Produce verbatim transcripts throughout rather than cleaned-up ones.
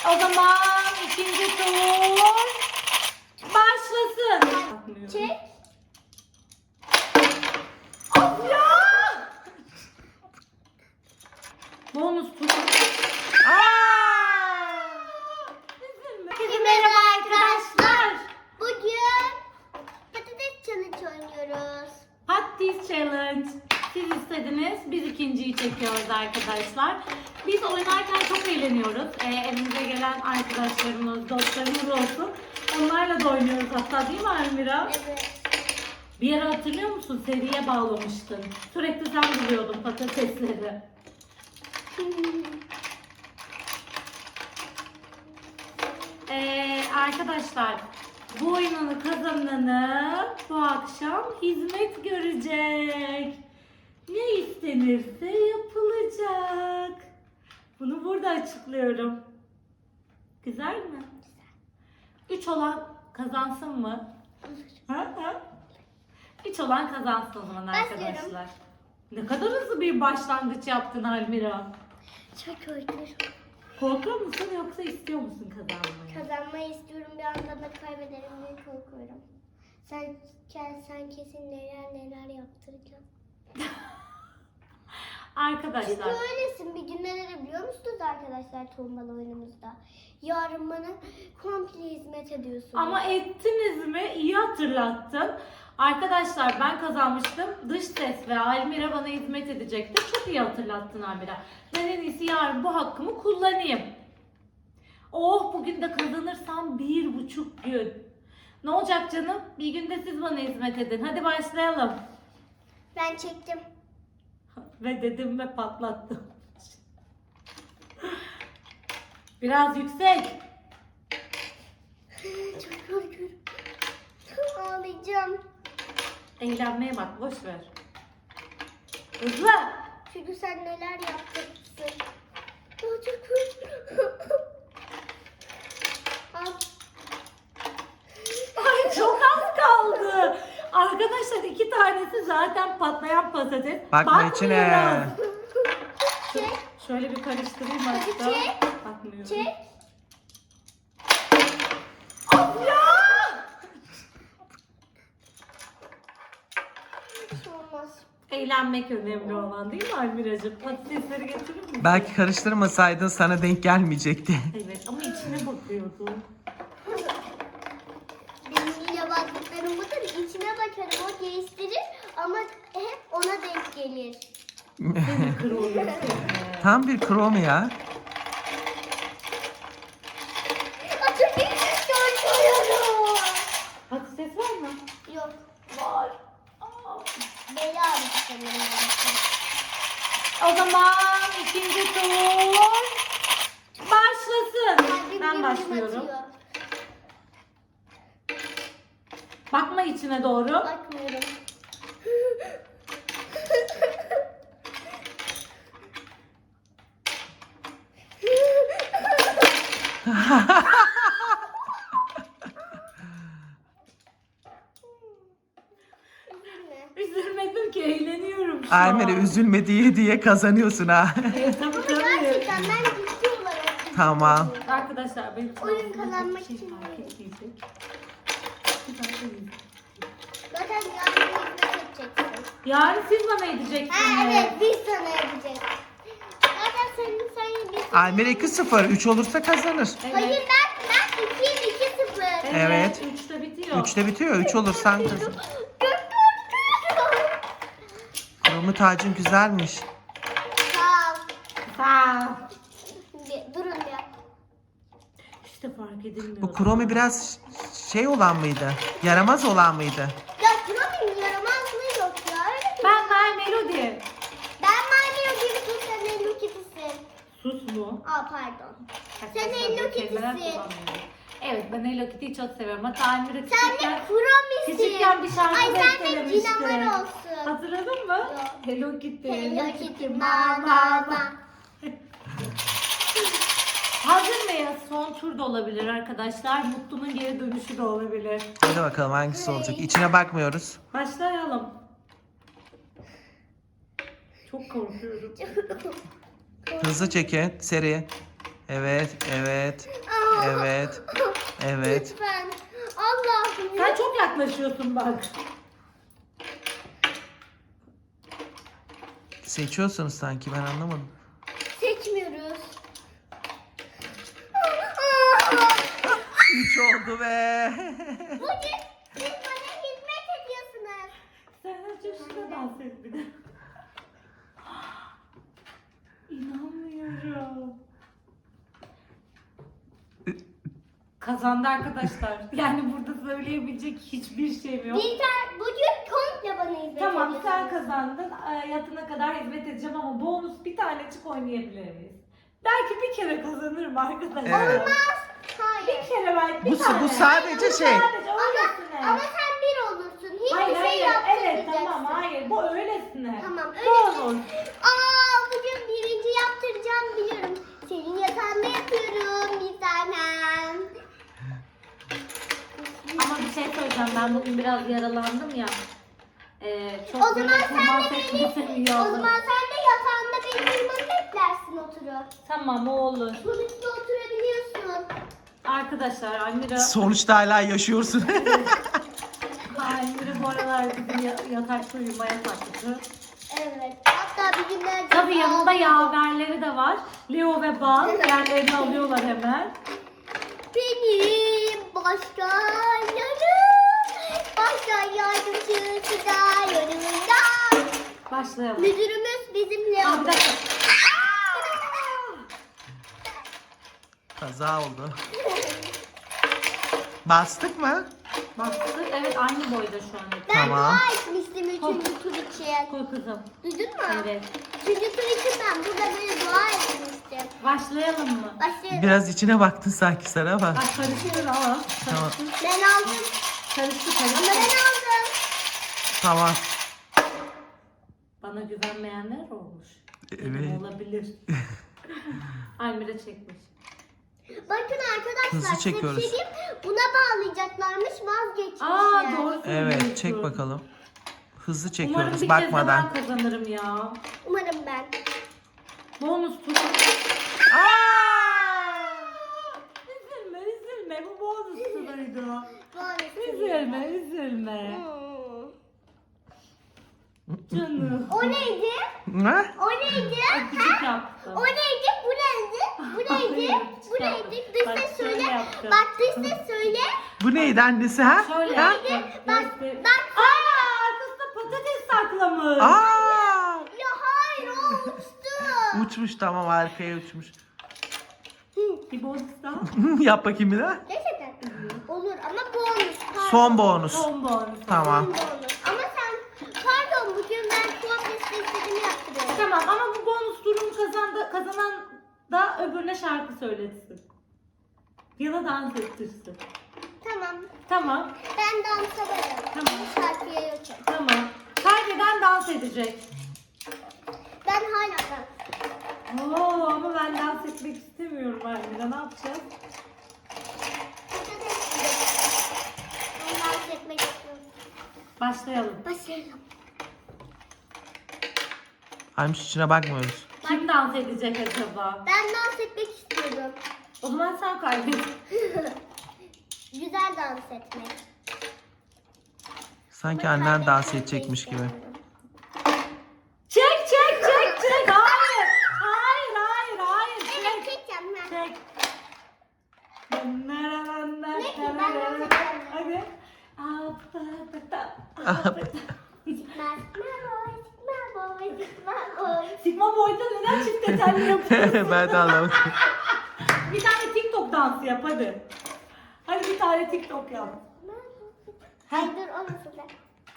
O zaman ikinci tur başlasın. Çek. Of ya! Bonus tur. Herkese merhaba arkadaşlar. Bugün patates challenge oynuyoruz. Patates challenge. Siz istediniz. Biz ikinciyi çekiyoruz arkadaşlar. Biz oynarken çok eğleniyoruz. Ee, evimize gelen arkadaşlarımız, dostlarımız olsun. Onlarla da oynuyoruz hatta, değil mi Almira? Evet. Bir ara hatırlıyor musun? Seriye bağlamıştın. Sürekli sen buluyordun patatesleri. Ee, arkadaşlar, bu oyunun kazananı bu akşam hizmet görecek. Ne istenirse yapılacak. Bunu burada açıklıyorum. Güzel mi? Üç olan kazansın mı? Ha, ha? Üç olan kazansın o zaman Başlıyorum. arkadaşlar. Ne kadar hızlı bir başlangıç yaptın Almira. Çok korkuyorum. Korkuyor musun yoksa istiyor musun kazanmayı? Kazanmayı istiyorum, bir anda da kaybederim diye korkuyorum. Sen, sen kesin neler neler yaptıracaksın. Arkadaşlar. Çünkü öylesin. Bir gün neler biliyor musunuz arkadaşlar tombalı oyunumuzda? Yarın bana komple hizmet ediyorsunuz. Ama ettiniz mi? İyi hatırlattın. Arkadaşlar, ben kazanmıştım. Dış ses ve Almira bana hizmet edecekti. Çok iyi hatırlattın Almira. Ben en iyisi yarın bu hakkımı kullanayım. Oh, bugün de kazanırsam bir buçuk gün. Ne olacak canım? Bir günde siz bana hizmet edin. Hadi başlayalım. Ben çektim. Ve dedim ve patlattım. Biraz yüksek. Çok korkuyorum. Ağlayacağım. Eğlenmeye bak, boş ver. Hızlı. Çünkü sen neler yaptırsın. Aa, çok korkuyorum. Al. Ay, çok az kaldı. Arkadaşlar, iki tanesi zaten patlayan patates. Bakma Bakmıyoruz. içine. Çek. Şöyle bir karıştırayım Hadi hatta. çek. Bakmıyorum. Çek. Of ya! Hiç olmaz. Eğlenmek önemli olan, değil mi Almiracığım? Patatesleri getirir misin? Belki karıştırmasaydın sana denk gelmeyecekti. Evet, ama içine bakıyordum. Benim yabancılarım budur. İçine bakarım, o değiştirir ama hep ona denk gelir. Seni kırılıyor. Tam bir krom ya. Atın korkuyorum. Patates var mı? Yok. Var. Aa. Bela bir sanırım. O zaman ikinci tur başlasın. Kalbim Ben güm güm başlıyorum. atıyor. Bakma içine doğru. Bakmıyorum. Üzülme. Üzülmedim ki, eğleniyorum şu an. Almira üzülme diye diye kazanıyorsun ha. Evet, tabii Ama tabii. gerçekten ben ciddi olarak Tamam. Arkadaşlar, benim için Oyun aslında kazanmak bir şey için fark mi? etmeyecek. Bir dakika. zaten yarın hizmet edeceksin. Yarın siz bana edeceksiniz. Ha, evet, biz sana yapacağız. Zaten senin sen biz. Almira iki sıfır. üç olursa kazanır. Evet. Hayır, ben ben ikiyim, iki sıfır. Evet. Üçte bitiyor. üçte bitiyor. üç olursan kazan. Çok korkuyorum. Kromu tacın güzelmiş. Sağ ol. Sağ ol. Bir- Durun ya. İşte fark edilmiyor. Bu kromi biraz şey olan mıydı? Yaramaz olan mıydı? Ya Promi'nin yaramazlığı yok ya. Öyle bir... Ben My Melody. Ben Mario gibi sus, sen Hello Kitty'sin. Sus mu? Aa pardon. Sen Arkadaşlar, Hello böyle kelimeler Kitty'sin. kullanmıyorum. Evet, ben Hello Kitty'yi çok seviyorum. Hatta Almira Sen küçükken, de Promi'sin. küçükken bir şarkı Ay sen de bestelemişti. Cinamar olsun. Hatırladın mı? Yok. Hello Kitty. Hello Kitty ma ma ma. Hazır mıyız? Son tur da olabilir arkadaşlar. Mutlu'nun geri dönüşü de olabilir. Hadi bakalım hangisi olacak. İçine bakmıyoruz. Başlayalım. Çok korkuyorum. Hızlı çekin. Seri. Evet, evet, Aa, evet, evet. Lütfen. Allah'ım. Sen çok yaklaşıyorsun bak. Seçiyorsunuz sanki, ben anlamadım. Seçmiyoruz. Üç oldu be. Bugün siz bana hizmet ediyorsunuz. Sen önce şurada dans et bir de. İnanmıyorum. Kazandı arkadaşlar. Yani burada söyleyebilecek hiçbir şeyim yok. Bir tane bugün komple bana hizmet Tamam ediyorsunuz. sen kazandın. Ee, Yatına kadar hizmet edeceğim ama bonus bir tanecik oynayabilir miyiz? Belki bir kere kazanırım arkadaşlar. Evet. Hayır. Bir kere belki bir Bu, tane. bu sadece Bu şey. Sadece Ama, öylesine. ama sen bir olursun. Hiçbir Hayır şey hayır. Evet yaptırmayacaksın. tamam hayır. Bu öylesine. Tamam Bonus. öyle. Aa bugün birinci yaptıracağım biliyorum. Senin yatağında yapıyorum bir tanem. Ama bir şey söyleyeceğim. Ben bugün biraz yaralandım ya. Ee, çok O böyle zaman sen kurban de seçmesi beni, iyi o oldu. zaman sen de yatağında benim yanıma beklersin oturup. Tamam o olur. Sonuçta oturabiliyorsun. Arkadaşlar Almira, Sonuçta hala yaşıyorsun. Almira bu aralar bizim ya- yatakta uyumaya taktı. Evet. Hatta bir günler... Tabii yanında yaverleri de var. Leo ve Bal yerlerini alıyorlar hemen. Benim başkanlarım. Başkan yardımcısı da yanımda. Başlayalım. Müdürümüz bizim Aa, Leo. bir dakika. Kaza oldu. Bastık mı? Bastık. Evet aynı boyda şu an. Ben Tamam. dua etmiştim üçüncü tur için. Koy kızım. Duydun mu? Evet. Üçüncü tur için ben burada böyle dua etmiştim. Başlayalım mı? Başlayalım. Biraz içine baktın sanki sen ama. Ay karıştır ama. Tamam. Karıştır. Ben aldım. Karıştır Ama ben karıştır. aldım. Tamam. Bana güvenmeyenler olmuş. Benim Evet. olabilir. Almira çekmiş. Bakın arkadaşlar Hızlı size bir çekiyoruz. şey diyeyim. Buna bağlayacaklarmış vazgeçmişler. Aa doğru söylüyorsun. Evet, çek bakalım. Hızlı Umarım çekiyoruz bir bakmadan. kez de ben kazanırım ya. Umarım ben. Bonus tur. Aa! Üzülme üzülme bu bonus turuydu. Bonus. Üzülme üzülme. Hmm. Canım. O neydi? Ha? O neydi? Öpücük yaptım. O neydi? Bu neydi? Bu neydi? Hayır, Bu yaptım. neydi? Dış Bak, ses şöyle söyle. yaptım. Bak dış ses söyle. Bu neydi annesi ha? Şöyle Ha? yaptım. Bak, Göster- bak. Aa arkasında patates saklamış. Aa! Ya hayır o uçtu. Uçmuş, tamam, arkaya uçmuş. Bir bonus daha. Yap bakayım bir daha. Gerçekten. Olur ama bonus. Pardon. Son bonus. Son bonus. Tamam. Son bonus. Ama sen pardon bugün ben komple istediğimi yaptırıyorum. Tamam ama bu bonus turunu kazandı, kazanan da öbürüne şarkı söyletsin. Ya da dans ettirsin. Tamam. Tamam. Ben dansa varım. Tamam. Şarkıya yokum. Tamam. Kaybeden dans edecek. Ben hala dans. Oo ama ben dans etmek istemiyorum Almira. Ne yapacağız? Ben dans etmek istiyorum. Başlayalım. Başlayalım. Aymış, içine bakmıyoruz. Kim dans edecek acaba? Ben dans etmek istiyorum. O zaman sen kaybet. Güzel dans etmek. Sanki Ama annen dans kaybetmek edecekmiş gibi. istemiyorum. Çek çek çek çek. Hayır. Hayır hayır hayır. Evet Çek. çekeceğim ben. Çek. Ne ki, ben dans edeceğim. Hadi. Gitmez. Merhaba, merhaba, merhaba. Sigma Boy'da neden çift detenli yapıyorsun? Ben de anlamadım. Bir tane TikTok dansı yap hadi. Hadi bir tane TikTok yap. Hayır dur o nasıl da?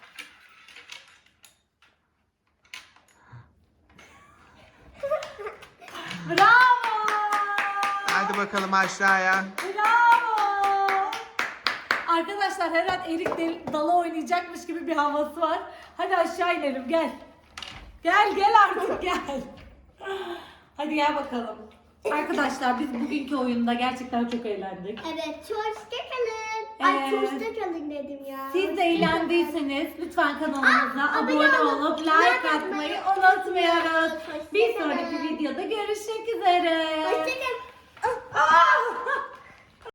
Bravo! Hadi bakalım aşağıya. Bravo! Arkadaşlar her an erik del- dalı oynayacakmış gibi bir havası var. Hadi aşağı inelim gel. Gel gel artık gel. Hadi gel bakalım. Arkadaşlar biz bugünkü oyunda gerçekten çok eğlendik. Evet, hoşça kalın. Ay Ee, hoşça kalın dedim ya. Siz de eğlendiyseniz lütfen kanalımıza Aa, abone abone olup olup like like atmayı atmayı unutmuyoruz. Hoşça Bir kalın. sonraki videoda görüşmek üzere. Hoşça kalın.